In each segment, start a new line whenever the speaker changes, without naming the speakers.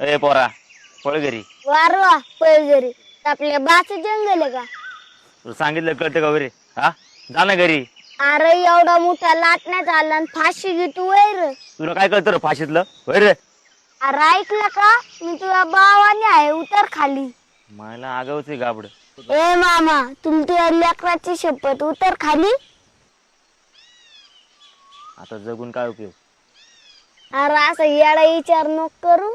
अरे पोरा पळ घरी.
वारवा पैजरी आपल्या बाच जंगल आहे का?
तुला सांगितलं कळतं का रे? हा जा ना घरी.
अरे एवढा मोठा लाटण्यात आला आणि फाशी घेतो वैर.
तुला काय कळतं रे फाशीतलं रे?
अरे ऐकलं का? मी तुझ्या भावाने आहे उतर खाली.
मला आगावच आहे गाबड.
ए मामा तुमच्या लेकराची शपथ उतर खाली.
आता जगून काय उपयोग?
अरे असं येडा विचार नको करू.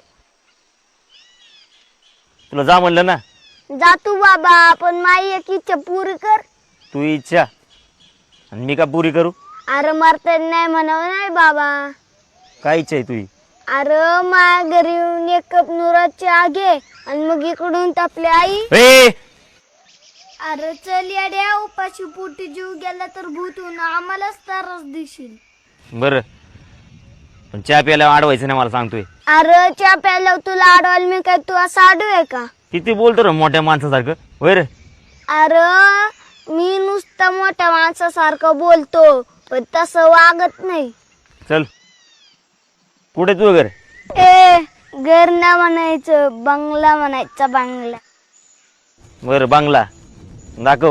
तुला जा म्हणलं ना.
जा तू बाबा पण माई एक इच्छा पुरी कर.
तू इच्छा आणि मी का पुरी करू?
अरे मरता नाही म्हणावं नाही बाबा.
काय इच्छा आहे तुझी?
अरे माझ्या घरी येऊन एक कप नुराची आगे आणि मग इकडून आपली आई.
ए
अरे चल येड्या उपाशी पोटी जीव गेला तर भूतून आम्हालाच त्रास देशील.
बर पण चहा प्यायला अडवायचं नाही मला सांगतोय.
अरे चहा प्यायला तुला अडवायला मी काय तू असं आडू आहे का?
किती बोलतो रे मोठ्या माणसासारखं होय रे?
अरे मी नुसतं मोठ्या माणसासारखं बोलतो पण तसं वागत नाही.
चल कुठे तू घर?
ए घर ना म्हणायचं बंगला म्हणायचा बंगला.
बर बांगला दाखव.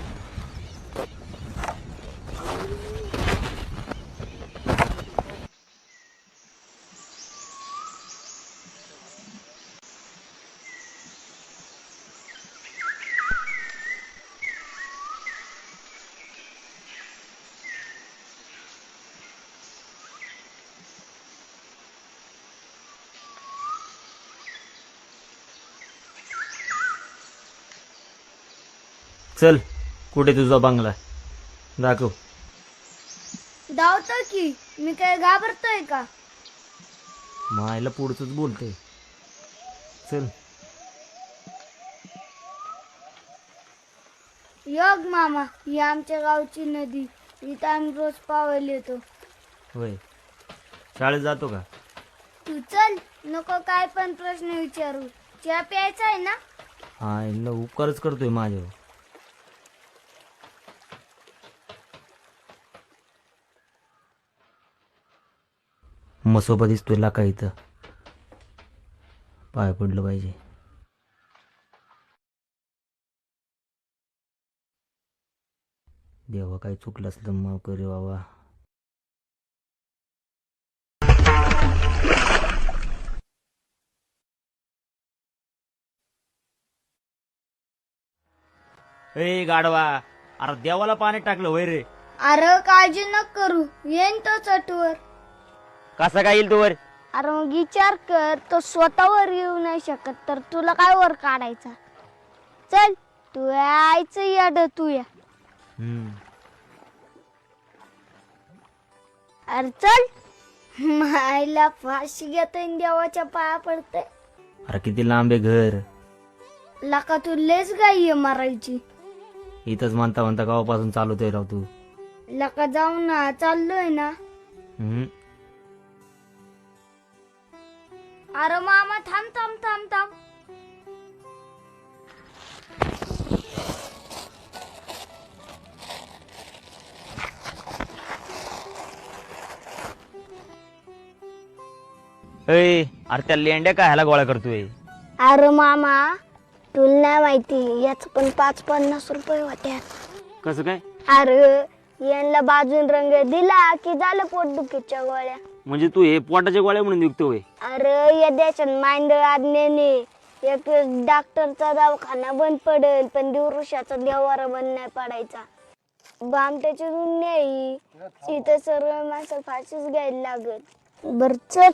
चल कुठे तुझा बंगला दाखव.
धावतो की मी काय घाबरतोय का?
मायला पुढचंच बोलतोय. चल
योग मामा ही आमच्या गावची नदी. इथं आम्ही रोज पावायला येतो.
होय शाळेत जातो का?
तू चल नको काय पण प्रश्न विचारू. चहा प्यायचा आहे ना?
हा यांना उपकारच करतोय माझ्यावर. मसोबा दिसतोय लाका इथं पाय पडलं पाहिजे. देवा काही चुकलं असलं माफ करे बाबा. ए गाडवा अरे देवाला पाणी टाकलं होय रे?
अरे काळजी नको करू येईन तो चटवर.
कसा काय येईल तू वर?
अरे मग विचार कर तो स्वतःवर येऊ नाही शकत तर तुला काय वर काढायचा. चल तू यायचं याड तू या. अरे चल मायला फाशी घेतोय देवाच्या पाया पडते.
अरे किती लांब आहे घर?
लका तू लेच गाई मारायची.
इथंच म्हणता म्हणता गावापासून चालवतोय राव तू.
लका जाऊ ना चाललोय ना. अरे मामा थांब थांब थांब थांब.
अरे त्या लेंड्या काय ह्याला गोळा करतोय?
अरे मामा तुला नाही माहिती याच पण 5-50 रुपये होत्या.
कसं काय?
अरे यांना बाजून रंग दिला की झालं पोटदुखीच्या गोळ्या.
म्हणजे तू हे पोटाच्या गोळ्या म्हणून विकतोय?
अरे या देशात मांडळ आज्ञेने एक डॉक्टरचा दवाखाना बंद पडेल पण दिवृषाचा देवारा बंद नाही पडायचा. बामट्याची दुनिया इथं सर्व माणसं फाशीच घ्यायला लागत. बर चल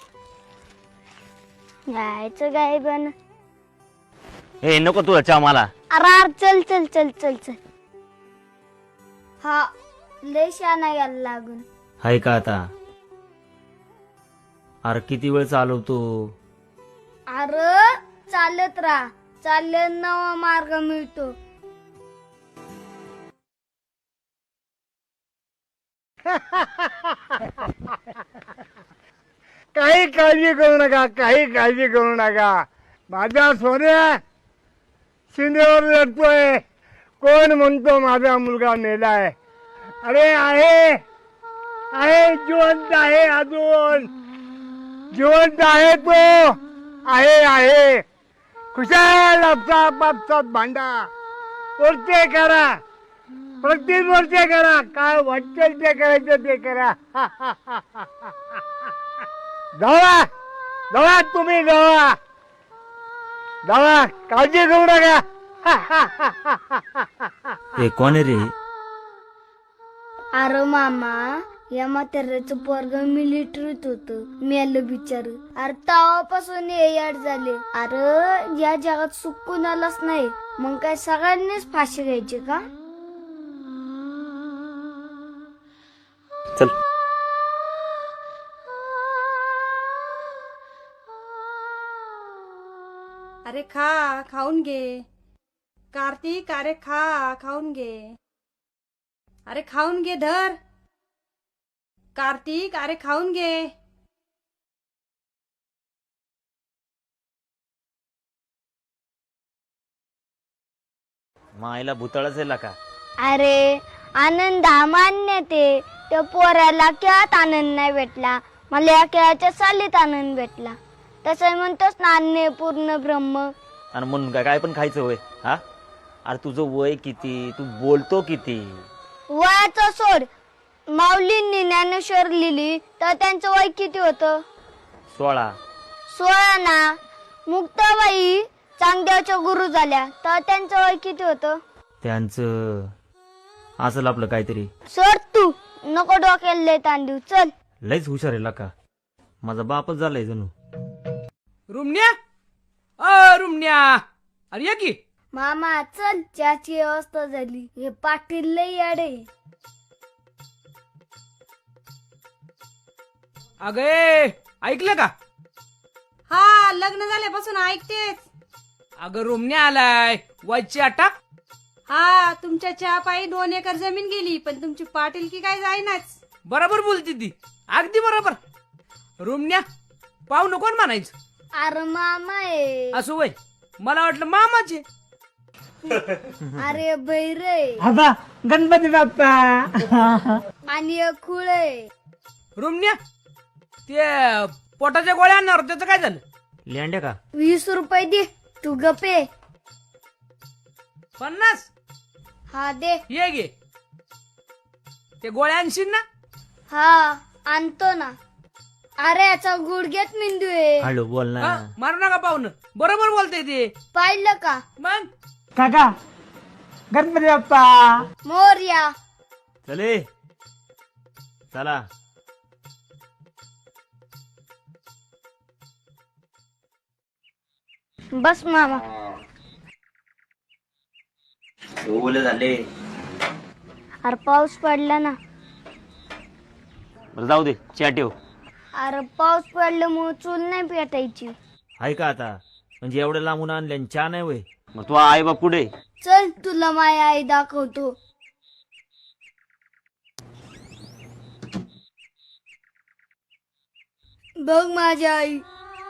जायचं काय पण.
ए नको तुला चहा मला.
अरे चल चल चल चल चल. हा लय शाना यायला लागून.
हाय का आता? अरे किती वेळ चालवतो?
अरे चालत राहा चालत नवा मार्ग मिळतो.
काही काळजी करू नका, काही काळजी करू नका. माझा सोन्या शिंदेवर लढतोय. कोण म्हणतो माझा मुलगा मेलाय? अरे आहे आहे जिवंत आहे, अजून जिवंत आहे तो. आहे खुशाल आपसात भांडा वरचे करा प्रत्येक वरचे करा काय वाटेल ते करायचं ते करा जावा जावा तुम्ही जावा जावा काळजी करू नका
हे कोण आहे रे?
अरे मामा या म्हाताऱ्याचं पोरग मिलिटरीत होत मेलं बिचार. अरे तेव्हापासून हे याड झाले. अरे या जगात सुख कुणालाच नाही मग काय सगळ्यांनीच फाशी घ्यायची का?
चल
अरे खा खाऊन घे कार्तिक. अरे खा खाऊन घे. अरे खाऊन घे धर कार्तिक. अरे खाऊन घे.
मायला भूतळच आहे का?
अरे आनंद हा मान्य ते त्या पोराला खेळात आनंद नाही भेटला मला या खेळाच्या सालीत आनंद भेटला. तसं म्हणतोस ना अन्य पूर्ण ब्रह्म.
आणि म्हणून काय पण खायचं होय? हा अरे तुझं वय किती? तू बोलतो किती?
वयाचं सोड. माऊलींनी ज्ञानेश्वर लिहिली तर त्यांचं वय किती होतं?
16.
16 ना. मुक्ताबाई चांगदेवच्या गुरु झाल्या तर त्यांचं वय किती होतं?
त्यांचं असेल आपलं काहीतरी.
सोड तू नको डोक्याला लय ताण देऊ. चल.
लयच हुशार आहे का? माझा बापच झालाय जणू.
रुमण्या रुमण्या अरे या की.
मामा चल चहाची व्यवस्था झाली. हे पाटील लय याडे.
अगे ऐकलं का?
हा लग्न झाल्यापासून ऐकतेच.
अगं रुमण्या आलाय वरची अटक.
हा तुमच्या चहा पायी 2 एकर जमीन गेली पण तुमची पाटीलकी काय जाईनाच.
बरोबर बोलती ती अगदी बरोबर. रुमण्या पाहू नको म्हणायचं.
अरे मामा आहे.
असं वय मला वाटलं मामाचे.
अरे बैरे
आता गणपती बाप्पा
आणि एक खुळ आहे.
रुमण्या ते पोटाच्या गोळ्या आणणार त्याचं काय झालं?
लेंड्या का?
20 रुपये दे तू गपे.
50.
हा दे.
ये गे ते गोळ्या आणशील ना?
हा आणतो ना. अरे याचा गुडघ्यात मेंदू आहे.
हळू बोल ना.
हा, मारू नका पाहुणं. बरोबर बोलतय ते.
पाहिलं का?
मग
काका गणपती बाप्पा
मोरया.
चले चला.
बस मामा.
ओले झाले.
अरे पाऊस पडला ना.
बरं जाऊ दे चहा ठेव.
अरे पाऊस पडल्यामुळे चूल नाही पेटायची.
आहे का आता? म्हणजे एवढं लांबून आणले चहा नाही वय? मग तू आई बाप कुठे?
चल तुला माझी आई दाखवतो. बघ माझी आई.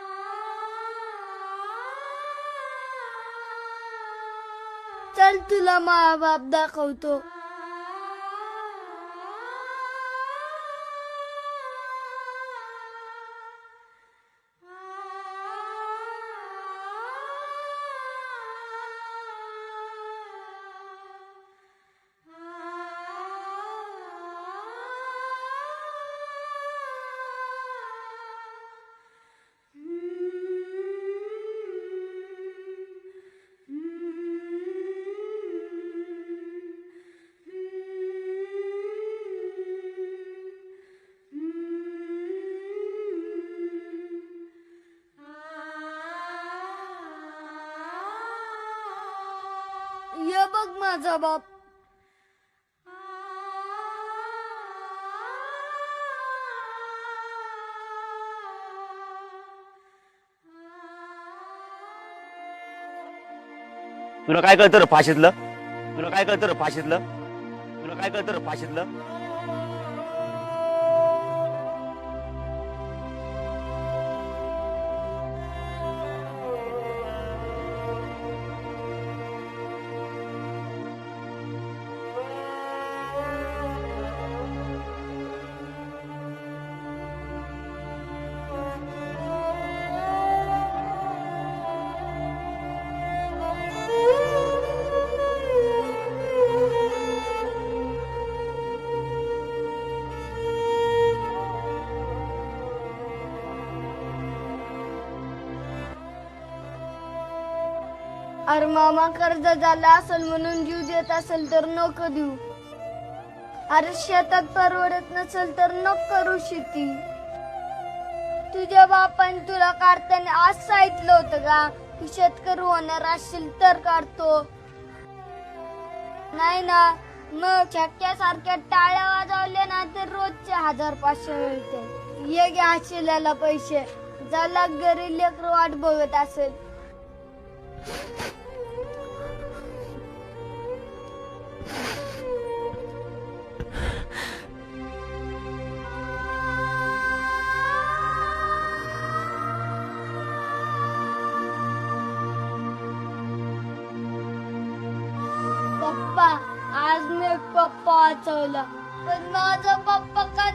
चल तुला मा बाप दाखवतो. ये बघ माझा बाप.
तुला काय कळतं रे फाशीतलं? तुला काय कळतं रे फाशीतलं? तुला काय कळतं रे फाशीतलं?
अरे मामा कर्ज झाला असेल म्हणून जीव देत असेल तर नको देऊ. अरे शेतात परवडत नसेल तर नको करू शेती. तुझ्या बापाने तुला काढताना आज सांगितलं होतं का की शेतकरी होणार असेल तर काढतो, नाही ना? मग छक्क्यासारख्या टाळ्या वाजवल्या ना तर रोजचे 1500 मिळते. ये घ्या शिल्याला पैसे, ज्याला घरी लेकरं वाट बघत असेल. पप्पा, आज मी पप्पा वाचवला, पण माझा पप्पा काय